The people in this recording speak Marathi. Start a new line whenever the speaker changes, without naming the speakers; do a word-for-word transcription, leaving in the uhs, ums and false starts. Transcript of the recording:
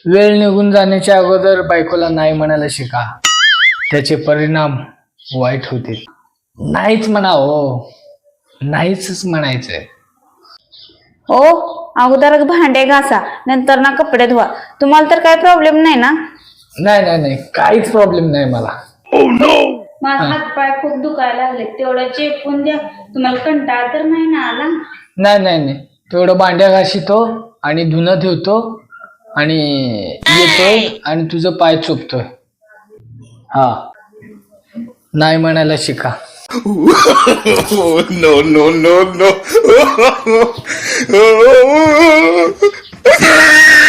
वेळ निघून जाण्याच्या अगोदर बायकोला नाही म्हणायला शिका, त्याचे परिणाम वाईट होतील. नाहीच म्हणा हो, नाहीच म्हणायचंय.
ओ अगोदर भांडे घासा, नंतर ना कपडे धुवा. तुम्हाला तर काय प्रॉब्लेम नाही ना?
नाही नाही नाही, काहीच प्रॉब्लेम नाही मला.
माझा हात पाय खूप दुखायला लागले, तेवढं चेपून द्या. तुम्हाला कंटाळा तर नाही ना आला?
नाही नाही नाही, तेवढं भांड्या घासितो आणि धुणं ठेवतो आणि येतोय आणि तुझं पाय चुपतोय. हा, नाही म्हणायला शिका.
no, no, no, no.